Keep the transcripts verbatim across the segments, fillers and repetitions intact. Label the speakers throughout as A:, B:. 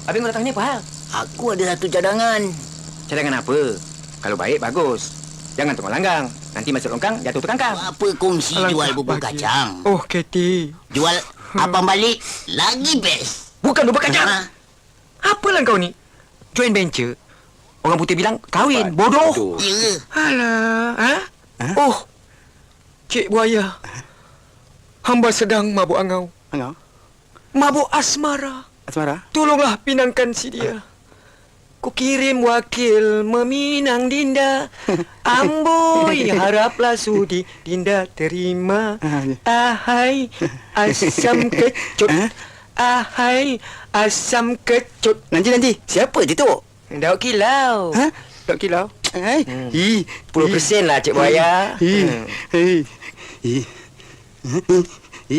A: Habis kau datang ni apa hal?
B: Aku ada satu cadangan.
A: Cadangan apa? Kalau baik, bagus. Jangan tunggu langgang. Nanti masuk longkang, jatuh tu kangkang.
B: Apa kongsi
C: Alangkah
B: jual bubur
C: bahagia.
B: kacang?
C: Oh, Katie.
B: Jual abang balik lagi best.
A: Bukan bubur kacang.
B: Ha?
A: Apalah kau ni? Joint venture. Orang putih bilang kahwin. Bodoh.
B: Ya.
C: Alah.
A: Ha?
C: Ha?
A: Oh.
C: Cik Buaya. Hamba sedang mabuk angau.
D: Angau?
C: Mabuk asmara.
D: Asmara?
C: Tolonglah pinangkan si dia. Ku kirim wakil meminang Dinda. Amboi, haraplah sudi Dinda terima. Ahai, asam kecut. Ahai, asam kecut.
D: Nanti, nanti. Siapa je tu?
A: Dauk kilau.
D: Ha? Dok kilau? Hai.
A: Hmm.
D: Hi.
A: sepuluh peratus lah, Cik Buaya.
D: Hi.
A: Hmm.
D: Hi. Hi. Hi.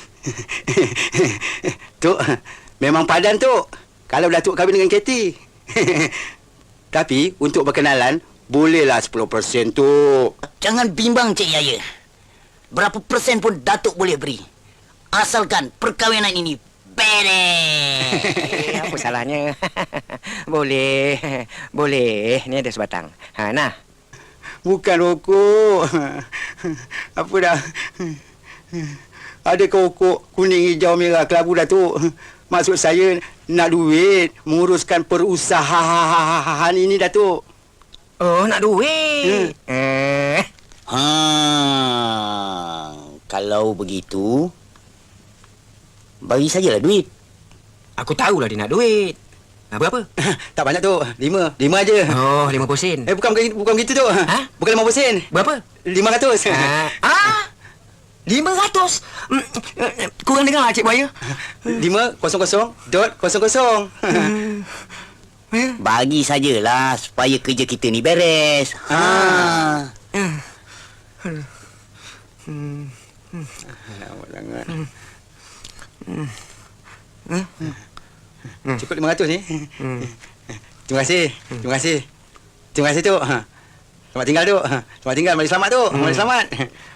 D: Tok, memang padan tu. Kalau Datuk kahwin dengan Katie. Tapi untuk berkenalan, bolehlah sepuluh peratus tu.
B: Jangan bimbang Cik Yaya. Berapa persen pun Datuk boleh beri. Asalkan perkahwinan ini beres.
A: Eh, apa salahnya? Boleh. Boleh. Ni ada sebatang. Ha, nah.
D: Bukan rokok. Apa dah? Ada rokok kuning, hijau, merah, kelabu, Datuk. Maksud saya nak duit menguruskan perusahaan ini, Datuk.
A: Oh, nak duit. Hmm. Eh.
B: Ha, kalau begitu, bagi sajalah duit.
A: Aku tahulah dia nak duit. Ha, berapa?
D: Tak banyak tu. Lima. Lima aja.
A: Oh, lima puluh sen.
D: Eh, bukan, bukan, bukan begitu tu.
A: Ha?
D: Bukan lima puluh sen.
A: Berapa?
D: Lima ratus.
A: Ah, ah? Lima ratus? Mm, Kurang dengar lah, Cik Buaya.
D: Lima, kosong, kosong, dot, kosong, kosong.
B: Bagi sajalah supaya kerja kita ni beres. Ha.
D: Lama sangat. Cukup lima ratus ni. Terima kasih. Terima kasih. Terima kasih, tu. Selamat tinggal, tu. Selamat tinggal. Mari selamat, tu. Mari selamat.